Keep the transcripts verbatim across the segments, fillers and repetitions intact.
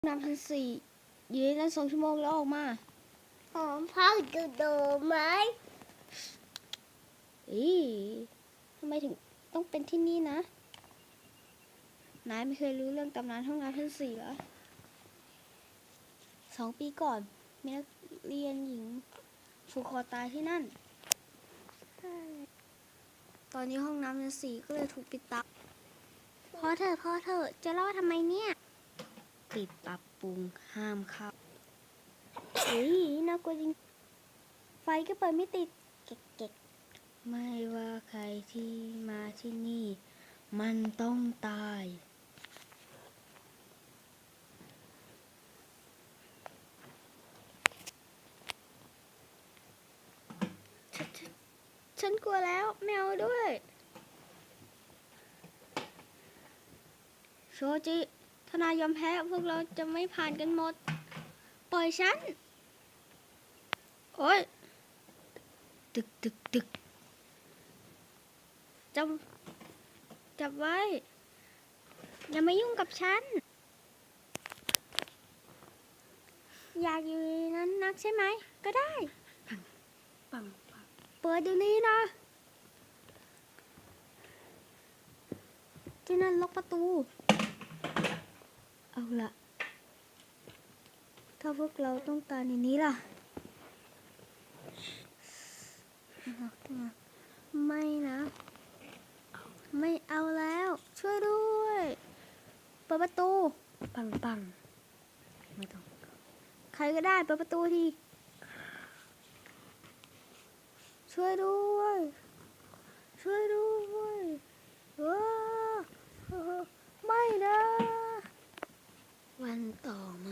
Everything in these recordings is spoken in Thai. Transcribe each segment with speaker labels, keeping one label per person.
Speaker 1: น้ำพันสี่ยืนนั้นสองชั่วโมงแล้วออกมา
Speaker 2: หอมพักดูดูไหม
Speaker 1: อีทำไมถึงต้องเป็นที่นี่นะนายไม่เคยรู้เรื่องตำนานห้องน้ำพันสี่เหรอสองปีก่อนมีนักเรียนหญิงผูกคอตายที่นั่นตอนนี้ห้องน้ำพันสี่ก็เลยถูกปิดตายพอเถอะพอเถอะจะรอดทำไมเนี่ยปิดปรับปรุงห้ามเข้าเฮ้ยน่ากลัวจริงไฟก็เปิดไม่ติดเก๊กๆไม่ว่าใครที่มาที่นี่มันต้องตายฉนฉันฉันกลัวแล้วไม่เอาด้วยโชจิถ้านายยอมแพ้พวกเราจะไม่ผ่านกันหมดปล่อยฉันโอ๊ยตึกตึกตึกจับจับไว้อย่ามายุ่งกับฉันอยากอยู่ในนั้นนักใช่ไหมก็ได้ปังปังปังเปิดเดี๋ยวนี้นะที่นั่นล็อกประตูเอาละถ้าพวกเราต้องการในนี้ล่ะไม่นะไม่เอาแล้วช่วยด้วยเปิดประตูปังปังไม่ต้องใครก็ได้เปิดประตูทีช่วยด้วยช่วยด้วยว้าไม่นะวันต่อมา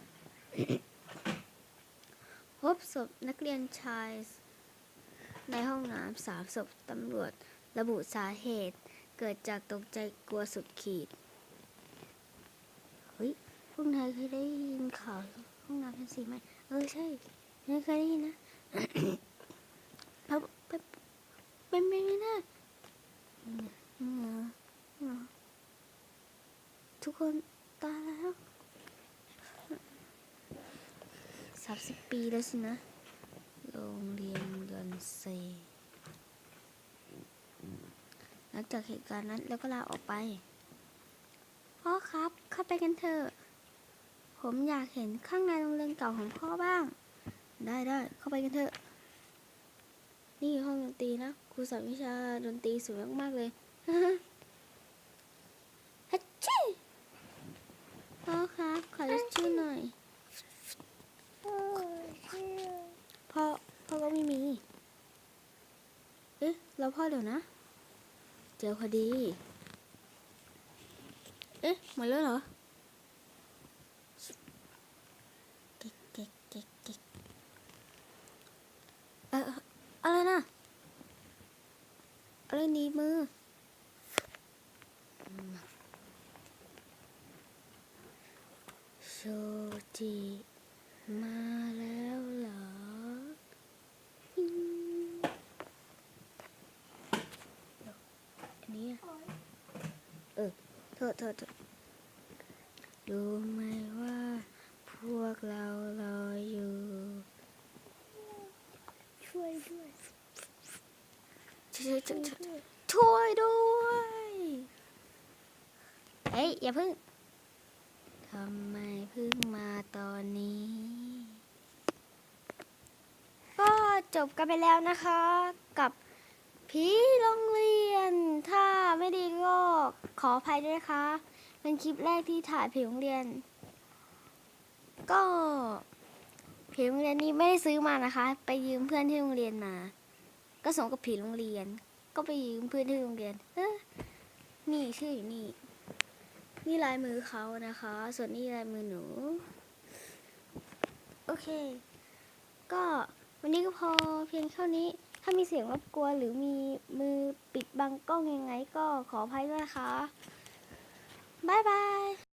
Speaker 1: พบศพนักเรียนชายในห้องน้ำสามศพตำรวจระบุสาเหตุเกิดจากตกใจกลัวสุดขีดเฮ้ยพวกนายเคยได้ยินข่าวห้องน้ำพันสี่ไหมเออใช่นายเคยได้ยินนะเราเป็นเป็นไปไม่ได้ทุกคนตายแล้วสามสิบปีแล้วสินะโรงเรียนเรือนเซหลังจากเหตุการณ์นั้นแล้วก็ลาออกไปพ่อครับเข้าไปกันเถอะผมอยากเห็นข้างในโรงเรียนเก่าของพ่อบ้างได้ได้เข้าไปกันเถอะนี่ห้องดนตรีนะครูสอนวิชาดนตรีสวยมากๆเลยฮัชชี่พ่อครับขอชื่อหน่อยพ่อพ่อก็ไม่มีเอ๊ะเราพ่อเดี๋ยวนะเจอพอดีเอ๊ะหมดแล้วเหรอเก๊กเก๊กเก๊กเก๊กเอ่ออะไรนะอะไรหนีมือโชจิมาแล้วเหรออันนี้เออเธอเธอเธอรู้ไหมว่าพวกเรารออยู่
Speaker 2: ช่วยด้วย
Speaker 1: ช่วยช่วยช่วยด้วยเฮ้ยอย่าเพิ่งทำไมเพิ่งมาตอนนี้ก็จบกันไปแล้วนะคะกับผีโรงเรียนถ้าไม่ดีก็ขออภัยด้วยนะคะเป็นคลิปแรกที่ถ่ายผีโรงเรียนก็ผีโรงเรียนนี้ไม่ได้ซื้อมานะคะไปยืมเพื่อนที่โรงเรียนมาก็สมกับผีโรงเรียนก็ไปยืมเพื่อนที่โรงเรียนเออนี่ชื่ออยู่นี่นี่ลายมือเขานะคะส่วนนี่ลายมือหนูโอเคก็วันนี้ก็พอเพียงเท่านี้ถ้ามีเสียงรบกวนหรือมีมือปิดบังกล้องยังไงก็ขออภัยด้วยนะคะบ๊ายบาย